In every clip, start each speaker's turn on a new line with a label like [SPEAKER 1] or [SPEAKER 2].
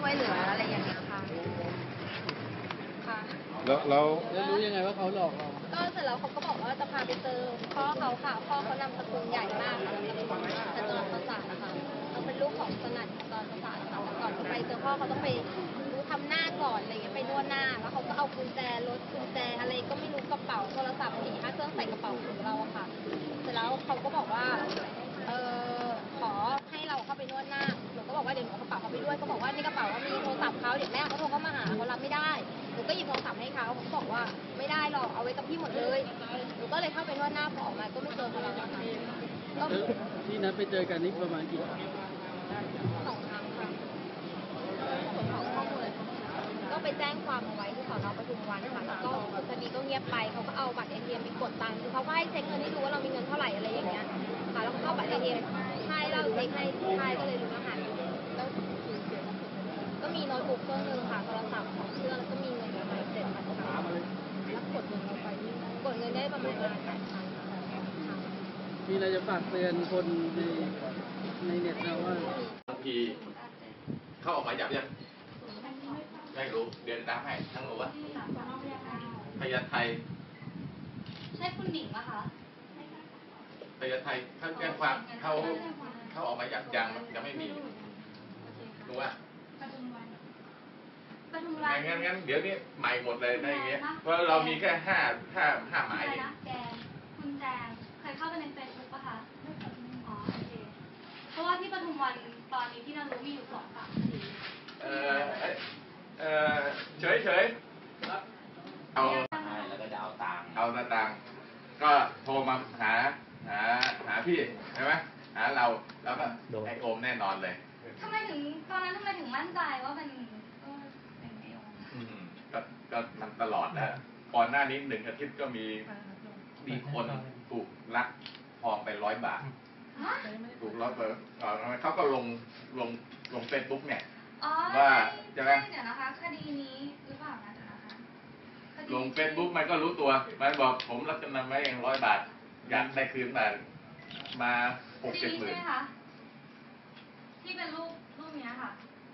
[SPEAKER 1] ช่วยเหลืออะไรอย่างเงี้ยค่ะค่ะ
[SPEAKER 2] แล้วรู้ยังไงว่าเขาหลอกเรา
[SPEAKER 1] ก็เสร็จแล้วเขาก็บอกว่าจะพาไปเจอพ่อเขาค่ะพ่อเขานำสกุลใหญ่มากค่ะเป็นจอมประสาทนะคะเขาเป็นลูกของสนั่นจอมประสาทค่ะก่อนจะไปเจอพ่อเขาต้องไปทำหน้าก่อนอะไรเงี้ยไปนวดหน้าแล้วเขาก็เอากุญแจรถกุญแจอะไรก็ไม่รู้กระเป๋าโทรศัพท์4-5เครื่องใส่กระเป๋าของเราอะค่ะเสร็จแล้วเขาก็บอกว่าขอให้เราเข้าไปนวดหน้าหนูก็บอกว่าเดี๋ยวหนูเอากระเป๋าเขาไปด้วยเขาบอกว่าในกระเป๋ามีโทรศัพท์เขาเดี๋ยวแม่เขาโทรเข้ามาหาเขารับไม่ได้หนูก็หยิบโทรศัพท์ให้เขาเขาบอกว่าไม่ได้หรอกเอาไว้กับพี่หมดเลยหนูก็เลยเข้าไปนวดหน้าพอออกมาก็ไม่เจอเขาแล้วค่ะ
[SPEAKER 2] ที่นัดไปเจอกันนี่ประมาณกี่ครั้ง
[SPEAKER 1] 2 ครั้งค่ะส่วนของข้อมูลก็ไปแจ้งความเอาไว้ที่สน.ปทุมวันค่ะแล้วก็คดีก็เงียบไปเขาก็เอาบัตร ATM ไปกดตังค์คือเขาก็ให้เช็คเงินให้ดูว่าเรามีเงินเท่าไหร่อะไรอย่างเงี้ยค่ะแล้วก็เอาบัตร ATM ให้เราเช็คให้ใช่ก็เลยรู้รหัสแล้วก็มีโน้ตบุ๊กเครื่องนึงค่ะโทรศัพท์2 เครื่องแล้วก็มีเงินประมาณ7,000 ค่ะแล้วกดเงินเราไปกดเงินได้ประมาณ8,000 ค่ะ
[SPEAKER 2] มีอะไรจะฝากเตือนคนในเน็ตนะว่า
[SPEAKER 3] บางทีเข้าออกหมายจับยังไม่รู้เดินตามให้ทั้งหมดว่าพญาไท
[SPEAKER 4] ใช่คุณหนิงปะคะ
[SPEAKER 3] พญาไทเขาแจ้งความเขาออกหมายจับยังไม่มีรู้ว่า
[SPEAKER 4] ปทุมวัน
[SPEAKER 3] งั้นเดี๋ยวนี้ใหม่หมดเลยได้อย่างเงี้ยเพราะเรามีแค่ห้าหมายเอง
[SPEAKER 4] คุณแจงเคยเข้าไปในเฟซบุ๊กปะคะอ๋อโอเคเพราะว่าที่ปทุมวันตอนนี้ที่เรารู้มีอยู่2-3 คดี
[SPEAKER 3] เฉยเอาแล้วก็จะเอาตังค์ก็โทรมาหาพี่ใช่ไหมหาเราแล้วก็ไอโอมแน่นอนเลย
[SPEAKER 4] ตอนนั้นทำไมถึงมั่นใจว่าเป็นไอโอม
[SPEAKER 3] ก็มันตลอดนะก่อนหน้านี้1 อาทิตย์ก็มีคนถูกลักทองไป100 บาทถูก100 บาทเขาก็ลงเฟซบุ๊กเนี่ยว่า
[SPEAKER 4] จะไงเดี๋ยวนะคะคดีนี้หรือเปล่านะเดี๋ยวนะคะ
[SPEAKER 3] ลงเฟซบุ๊กมันก็รู้ตัวมันบอกผมรับจำนำไว้เอง100 บาทอยากได้คืนมา6-7 หมื่น
[SPEAKER 4] ที่เป็นรูปนี้ค่ะ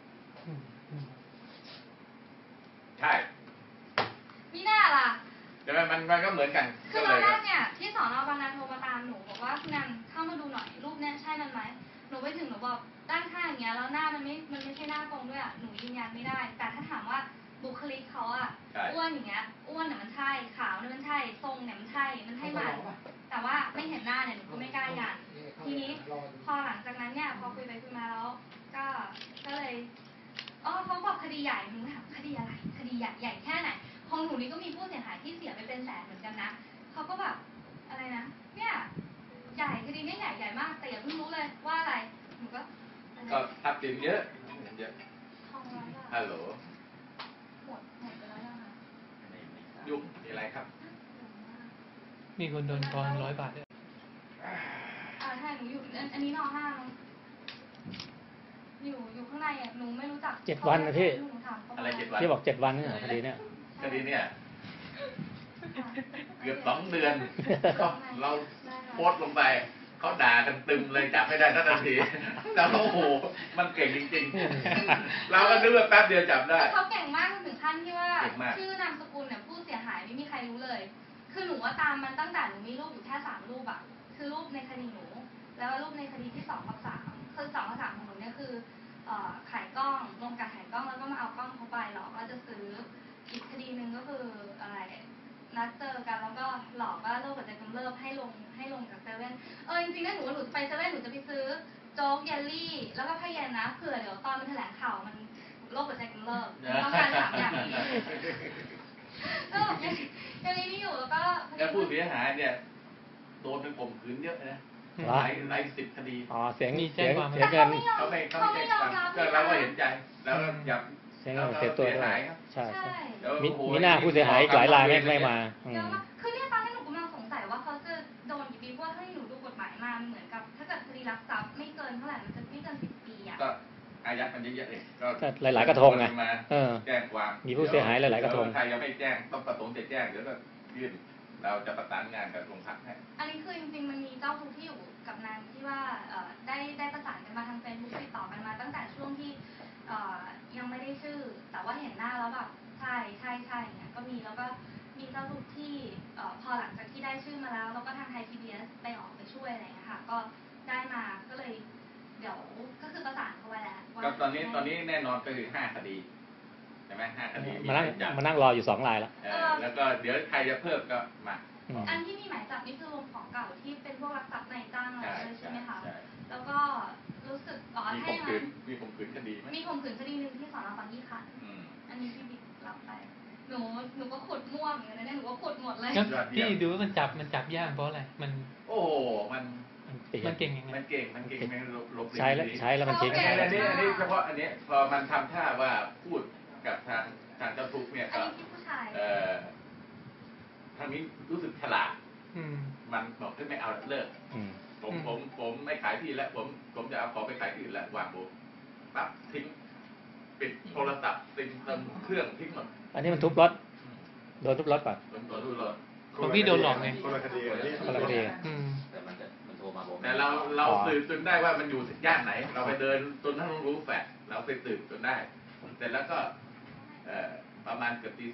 [SPEAKER 3] ใช่
[SPEAKER 4] มีหน้าล่ะ
[SPEAKER 3] แต่มันก็เหมือนกัน
[SPEAKER 4] คือตอนแรกเนี่ยที่สน.บางนาโทรมาตามหนูบอกว่าคุณนันเข้ามาดูหน่อยรูปเนี้ยใช่มันไหมหนูไปถึงหนูบอกด้านข้างอย่างเงี้ยแล้วหน้ามันไม่ใช่หน้าตรงด้วยอ่ะหนูยืนยันไม่ได้แต่ถ้าถามว่าบุคลิกเขาอ่ะอ้วนอย่างเงี้ยอ้วนเนี่ยมันใช่ขาวเนี่ยมันใช่ทรงเนี่ยมันใช่มันแต่ว่าไม่เห็นหน้าเนี่ยหนูก็ไม่กล้ายันทีนี้พอหลังจากนั้นเนี่ยพอคุยไปคุยมาแล้วก็เลยเขาบอกคดีใหญ่หนูถามคดีอะไรคดีใหญ่แค่ไหนของหนูนี่ก็มีผู้เสียหายที่เสียไปเป็นแสนเหมือนกันนะเขาก็แบบอะไรนะเนี่ยใหญ่คดีนี้ใหญ่มากแต่อย่าเพิ่งรู้เลยว่าอะไรหนูก็
[SPEAKER 3] ทรัพย์สินเยอะ
[SPEAKER 4] ทอง100 บาท
[SPEAKER 3] ฮัลโหล
[SPEAKER 4] หมดไปแล้วยังคะ
[SPEAKER 3] ยุ่งมีอะไรครับ
[SPEAKER 2] มีคนโดนทอน100 บาทด้วย
[SPEAKER 4] ใช่หนูอยู่อันนี้น.5อยู่ข้างในอ่ะหนูไม่รู้จัก
[SPEAKER 2] 7 วันนะพี่
[SPEAKER 3] อะไร7 วัน
[SPEAKER 2] ที่บอก7 วันนี่คดีเนี่ย
[SPEAKER 3] เกือบ2 เดือนเราโพสต์ลงไปเขาด่ากันตึมเลยจับไม่ได้ทันทีแต่โอ้โหมันเก่งจริงๆเราก็นึกว่าแป๊บเดียวจับได้
[SPEAKER 4] เขาเก่งมากถึงขั้นที่ว่าชื่อนามสกุลเนี่ยผู้เสียหายไม่มีใครรู้เลยคือหนูว่าตามมันตั้งแต่หนูมีรูปอยู่แค่3 รูปอ่ะคือรูปในคดีหนูแล้วรูปในคดีที่2-3คือ2-3ของหนูเนี่ยคือขายกล้องลงกับขายกล้องแล้วก็มาเอากล้องเขาไปหลอกว่าจะซื้ออีกคดีนึงก็คืออะไรนัดเจอกันแล้วก็หลอกว่าโรคหัวใจกำเริบให้ลงจากเซเว่นจริงๆนะหนูจะไปเซเว่นหนูจะไปซื้อโจ๊กเยลลี่แล้วก็ผ้าเย็นนะเผื่อเดี๋ยวตอนมันแถลงข่าวมันโรคหัวใจกำเริบต้องการ3 อย่างนี้ก็ยังมีนี่อยู่
[SPEAKER 3] แล้วผู้เสียหายเนี่ยโดนเป็นข่มขืนเยอะนะหลาย10 คดี
[SPEAKER 2] เสียงเงินเขาไม่
[SPEAKER 3] แจ้งความก็เราก็เห็นใจแล้วอยาก
[SPEAKER 2] เสียตัวด้วยใช่มีหน้าผู้เสียหายหลายรายไม่มา
[SPEAKER 4] คือเนี่ยตอนนี้หนูกำลังสงสัยว่าเขาจะโดนกี่ปีเพราะว่าถ้าหนูดูกฎหมายมาเหมือนกับถ้าเกิดคดีลักทรัพย์ไม่เกินเท่าไหร่มันจะไม่เกิน10 ปีอ่ะ
[SPEAKER 3] ก็อายัดมันเยอะๆเลย
[SPEAKER 2] ก็หลายกระทงไง
[SPEAKER 3] แจ้งความ
[SPEAKER 2] มีผู้เสียหายหลายกระทง
[SPEAKER 3] ใครยังไม่แจ้งต้องประสงค์จะแจ้งเดี๋ยวก็ยื่นเราจะประสานงานกับโรงพักให้
[SPEAKER 4] อันนี้คือจริงๆมันมีเจ้าทุกที่อยู่กับนานที่ว่าได้ประสานกันมาทางเฟซบุ๊กติดต่อกันมาตั้งแต่ช่วงที่ยังไม่ได้ว่าเห็นหน้าแล้วแบบใช่อย่างเงี้ยก็มีแล้วก็มีเจ้าทุกข์ที่พอหลังจากที่ได้ชื่อมาแล้วแล้วก็ทางไทย PBS ไปออกไปช่วยอะไรอย่างเงี้ยค่ะก็ได้มาก็เลยเดี๋ยวก็คือประสานเขาไว้แล้วว่า
[SPEAKER 3] ก็ตอนนี้แน่นอนก็คือ5 คดีใช่ไหม5 คดี
[SPEAKER 5] มานั่งรออยู่2 รายแล้ว
[SPEAKER 3] แล้วก็เดี๋ยวใครจะเพิ่มก็มา
[SPEAKER 4] อันที่มีหมายจับนี่คือรวมของเก่าที่เป็นพวกรักทรัพย์นายจ้างอะไรด้วยใช่ไหมคะ
[SPEAKER 3] ใช่
[SPEAKER 4] แล้วก็รู้สึก
[SPEAKER 3] มี
[SPEAKER 4] ให้
[SPEAKER 3] ข่มขืนมีข่มขืนคดีไหม
[SPEAKER 4] มีข่มขืนคดีหนึ่งที่สอนบางยี่ขันธ์อันนี้พี่บิ๊กรับไปหนูก็ขุดม่วงอย่างนั้นหนูก็ขุดหมดเลย
[SPEAKER 6] แล้วพี่ดูว่ามันจับยากเพราะอะไรมัน
[SPEAKER 3] โอ้โหมัน
[SPEAKER 6] เก่งยังไง
[SPEAKER 3] มันเก่งมันหลบ
[SPEAKER 5] ใช้แล้วมันทิ้ง
[SPEAKER 3] อันนี้เฉพาะอันนี้พอมันทำท่าว่าพูดกับทางเจ้าทุกข์เนี่ย
[SPEAKER 4] อัน
[SPEAKER 3] ก็
[SPEAKER 4] นี้พี่ผู้ชาย
[SPEAKER 3] ทางนี้รู้สึกฉลาด มันบอกที่ไม่เอาเลิกผมไม่ขายที่แล้วผมจะเอาของไปขายที่อื่นแล้ววางโบปั๊บทิ้งปิดโทรศัพท์ติดเครื่องทิ้งหมด
[SPEAKER 5] อันนี้มันทุบรถโดนทุบรถป่ะ
[SPEAKER 3] โดนดูรถ
[SPEAKER 6] ของพี่โดนหลอกไง
[SPEAKER 7] คนละคดีกันนี่
[SPEAKER 5] คนละคดี
[SPEAKER 8] แต่มันโทรมาบอก
[SPEAKER 3] แต่เราสืบจนได้ว่ามันอยู่ย่านไหน เราไปเดินจนทั้งรู้แฟกเราไปสืบจนได้เสร็จแล้วก็ประมาณเกือบตี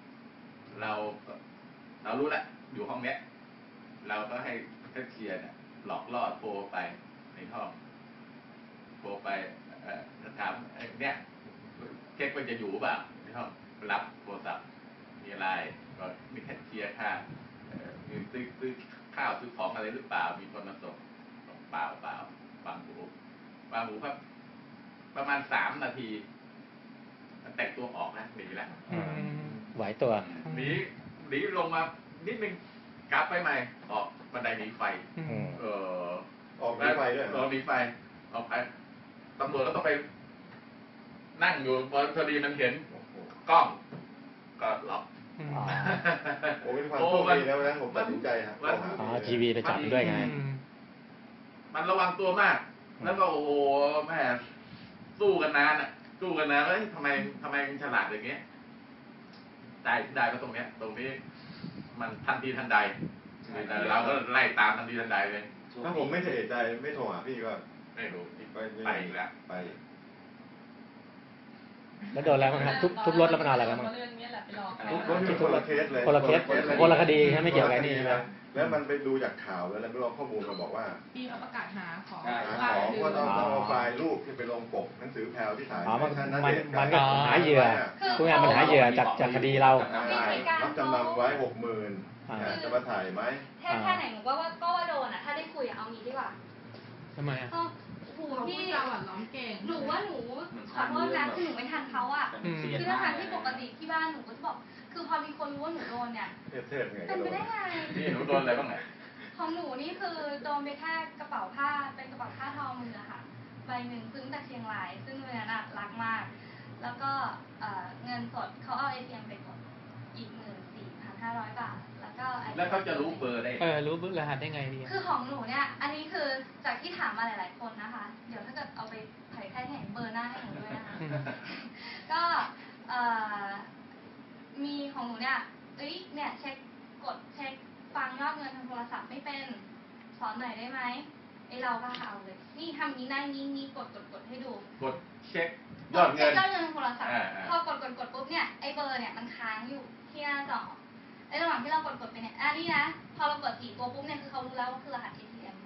[SPEAKER 3] 2เรารู้แล้วอยู่ห้องเนี้ยเราก็ให้แคชเชียร์เนี่ยหลอกล่อโทรไปในห้องโทรไปถามเนี่ยเช็คว่าจะอยู่เปล่าในห้องรับโทรศัพท์มีอะไรก็มีแคชเชียร์ค่ามีซื้อข้าวซื้อของอะไรหรือเปล่ามีคนมาส่งเปล่าฟังหูครับประมาณ3 นาทีแต่งตัวออกนะหนีแล้ว
[SPEAKER 5] ไหวตัว
[SPEAKER 3] หนีลงมานิดนึงกลับไปใหม่ออกบันไดหนีไฟ
[SPEAKER 7] ออกได้ไปด้วย
[SPEAKER 3] ออกหนีไฟออกไปตำรวจก็ต้องไปนั่งอยู่พอดีมันเห็นกล้องก็ล็อก
[SPEAKER 7] โอ้เป็นความโชคดีแล้วนะผมตัดสินใจครับ
[SPEAKER 5] ทีวีไปจับด้วยไง
[SPEAKER 3] มันระวังตัวมาก แล้วก็โอ้โหแม่สู้กันนานแล้วทำไมมันฉลาดอย่างเงี้ยได้ก็ตรงนี้มันทันทีทันใดแต่เราก็ไล่ตามทันทีทันใดเลย
[SPEAKER 7] ถ้าผมไม่เสียใจไม่โทรหาพี่ก็
[SPEAKER 3] ไม่รู้
[SPEAKER 7] ไปอีกแล้วไป
[SPEAKER 5] แล้วโดนอะไรบ้างครับทุบรถแล้วมันเอาอะไรบ้าง
[SPEAKER 7] รถที่คนละเคสเลย
[SPEAKER 5] คนละคดีใช่ไหมไม่เกี่ยวกับนี่ใช่ไหม
[SPEAKER 7] แล้วมันไปดูจากข่าวแล้วไปลองข้อมูลมาบอกว่า
[SPEAKER 9] พี่เขาประกาศหาของ
[SPEAKER 7] ก็ต้องเอาไฟล์รูปที่ไปลงปกหนังสือแพรวที่ถ่าย
[SPEAKER 5] มันก็หาเหยื่อพูดง่ายมันหาเหยื่อจากคดีเรา
[SPEAKER 7] รับจำนำไว้ 60,000จะมาถ่ายไหม
[SPEAKER 4] แค่ไหนหนูก็ว่าโดนอ่ะถ้าได้คุยเอางี้ดีกว่า
[SPEAKER 6] ทำไมอ่ะ
[SPEAKER 9] พี่เราอ่ะร้องเก่ง
[SPEAKER 4] หนูขอโทษนะคือหนูไม่ทันเขาอ่ะคือทางที่ปกติที่บ้านหนูก็จะบอกคือพอมีคนรู้ว่าหนูโดนเนี่ย
[SPEAKER 7] เทพไง
[SPEAKER 4] เป็นไปได้ไง
[SPEAKER 3] นี่หนูโดนอะไรบ้างไหน
[SPEAKER 4] ของหนูนี่คือโดนไปแค่กระเป๋าผ้าเป็นกระเป๋าผ้าทอมือค่ะใบหนึ่งซื้อจากเชียงรายซึ่งเงินน่ะรักมากแล้วก็เงินสดเขาเอา ATM ไปกดอีก14,500 บาทแล้วเขา
[SPEAKER 3] จะรู้เบอร์ได้
[SPEAKER 6] รู้รหัสได้ไงดี
[SPEAKER 4] คือของหนูเนี่ยอันนี้คือจากที่ถามมาหลายๆคนนะคะเดี๋ยวถ้าเกิดเอาไปเผยแพร่ให้เห็นเบอร์หน้าให้หนูด้วยนะคะก็มีของหนูเนี่ยเนี่ยเช็คฟังยอดเงินทางโทรศัพท์ไม่เป็นสอนหน่อยได้ไหมเราก็เอาเลยนี่ทำนี้ได้นี้กดให้ดู
[SPEAKER 3] กดเช็คยอดเงิน
[SPEAKER 4] ทางโทรศัพท์พอกดปุ๊บเนี่ยไอ้เบอร์เนี่ยมันค้างอยู่ที่หน้าจอในระหว่างที่เรากดไปเนี่ยนี่นะพอเรากด4 ตัวปุ๊บเนี่ยคือเขารู้แล้วว่าคือรหัส ATM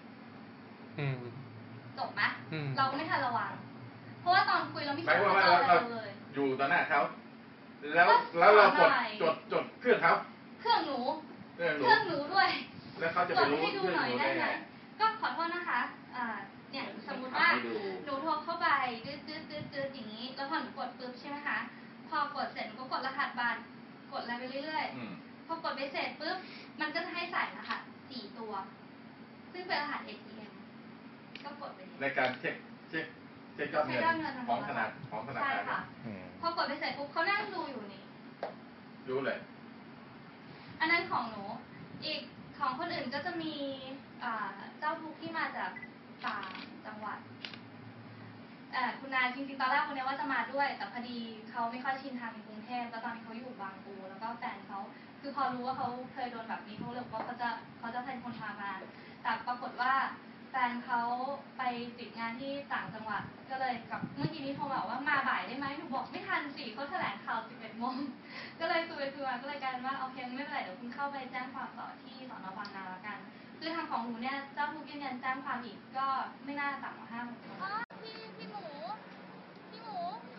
[SPEAKER 4] จบไหมเราก็ไม่ทันระวังเพราะว่าตอนคุยเราไม่คิดว่าเราเลย
[SPEAKER 3] อยู่ต่อหน้าเขาแล้วเราจดเครื่องเขา
[SPEAKER 4] เครื่องหนูด้วย
[SPEAKER 3] แล้วเขาจะไปรู้เครื่องหนูได้ไง
[SPEAKER 4] ก็ขอโทษนะคะเนี่ยสมมติว่าหนูโทรเข้าไปดื้ออย่างนี้แล้วพอหนูกดปุ๊บใช่ไหมคะพอกดเสร็จหนูก็กดรหัสบัตรกดอะไรไปเรื่อยๆพอกดไปเสร็จปุ๊บมันก็จะให้ใส่รหัส4 ตัวซึ่งเป็นรหัส ATM ก็กดไป
[SPEAKER 3] ในการเช็คยอดเงินของธนาคาร
[SPEAKER 4] ใช่ค่ะพอกดไปเสร็จปุ๊บเขานั่งดูอยู่นี่
[SPEAKER 3] รู้เลย
[SPEAKER 4] อันนั้นของหนูอีกของคนอื่นก็จะมีเจ้าทุกข์ที่มาจากต่างจังหวัดคุณนายจริงๆตอนแรกคนนี้ว่าจะมาด้วยแต่พอดีเขาไม่ค่อยชินทางในกรุงเทพแล้วตอนนี้เขาอยู่บางปูแล้วก็แฟนเขาคือพอรู้ว่าเขาเคยโดนแบบนี้เขาเลยบอกว่าเขาจะเป็นคนพามาแต่ปรากฏว่าแฟนเขาไปติดงานที่ต่างจังหวัดก็เลยกับเมื่อกี้นี้โทรมาบอกว่ามาบ่ายได้ไหมหนูบอกไม่ทันสิเขาแถลงข่าว 11 โมงก็เลยคุยมาก็เลยกลายเป็นว่าโอเคไม่เป็นไรเดี๋ยวคุณเข้าไปแจ้งความต่อที่สน.บางนาแล้วกันคือทางของหนูเนี่ยเจ้าทุกข์ยืนยันแจ้งความอีกก็ไม่น่าต่ำกว่า5 โมง
[SPEAKER 1] พี่หมู